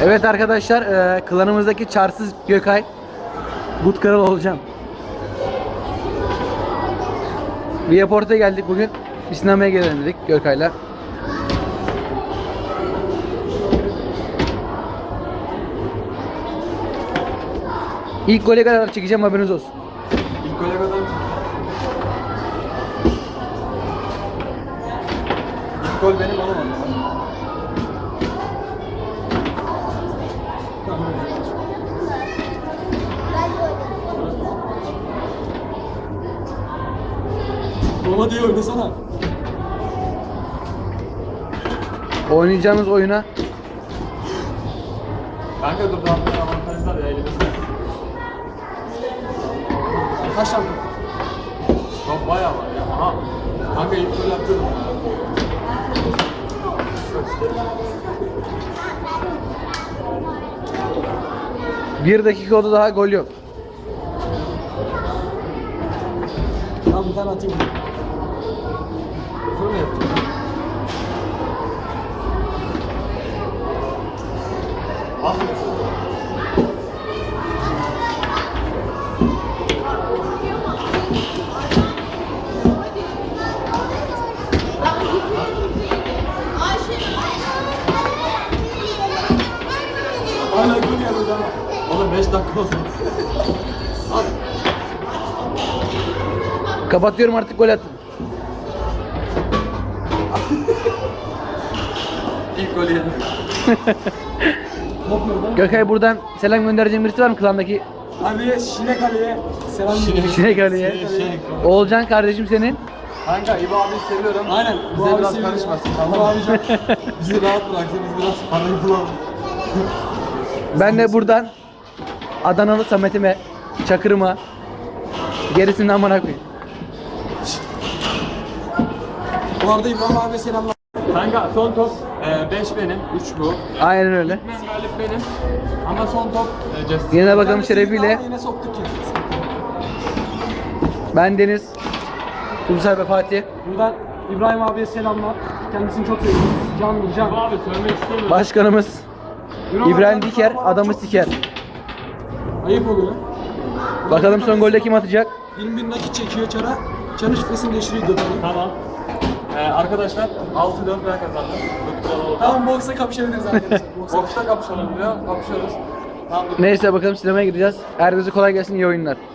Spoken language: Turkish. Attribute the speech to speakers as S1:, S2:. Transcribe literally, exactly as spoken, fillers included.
S1: Evet arkadaşlar, e, klanımızdaki çarsız Gökay But Kral olacağım. Viaport'a geldik bugün. Bir sinemaya gelelim dedik Gökay'la. İlk gole kadar çekeceğim, haberiniz olsun.
S2: İlk gole kadar İlk gol benim olamadı. Roma diye oynasana.
S1: Oynayacağımız oyuna
S2: Kanka dur daha bir avantaj var ya elimizde. Kaç tane top? Top bayağı var ya. Aha. Kanka ilk gol atıyorum.
S1: bir dakika oldu, daha gol yok.
S2: Tamam bir tane atayım. Şunu mu yapacağım? Al. Hala gol gelmedi ama. Oğlum beş dakika oldu. Al.
S1: Kapatıyorum artık, gol attım.
S2: İlk golü yedim. Top nerede?
S1: Gökay, buradan selam göndereceğim birisi var mı klandaki?
S2: Abi Şinek Ali'ye selam
S1: Şinek, Şinek Ali'ye.
S2: Şinek.
S1: Oğulcan kardeşim senin.
S2: Kanka İbo abiyi seviyorum. Aynen. Bize biraz karışmasın. Tamam abicim. Bizi rahat bıraksın. Biz biraz parayı bulalım.
S1: Ben de buradan Adanalı Samet'ime, Çakır'ıma, gerisinden amına koyayım.
S2: Bu arada İbrahim abi selamlar. Kanka son top beş benim, üç bu.
S1: Aynen öyle.
S2: İlk galip benim. Ama son top e, Justin.
S1: Yine bakalım şerefiyle.
S2: Yine soktuk ya.
S1: Ben Deniz, Kumsal ve Fatih.
S2: Buradan İbrahim abiye selamlar. Kendisini çok seviyoruz. Canlı can. İbo abi söylemek istemiyorum.
S1: Başkanımız İbrahim Diker, adamı siker.
S2: Ayıp oluyor.
S1: Bakalım son golde kim atacak?
S2: yirmi bin nakit çekiyor çara. Çarı şifresini değiştiriyor götürüyor. Tamam. Ee, arkadaşlar altı dört ben kazandım. Tamam boksa kapışabiliriz arkadaşlar. Boksta kapışalım diyor. Kapışıyoruz. Tamam.
S1: Neyse bakalım sinemaya gideceğiz. Herkese kolay gelsin, iyi oyunlar.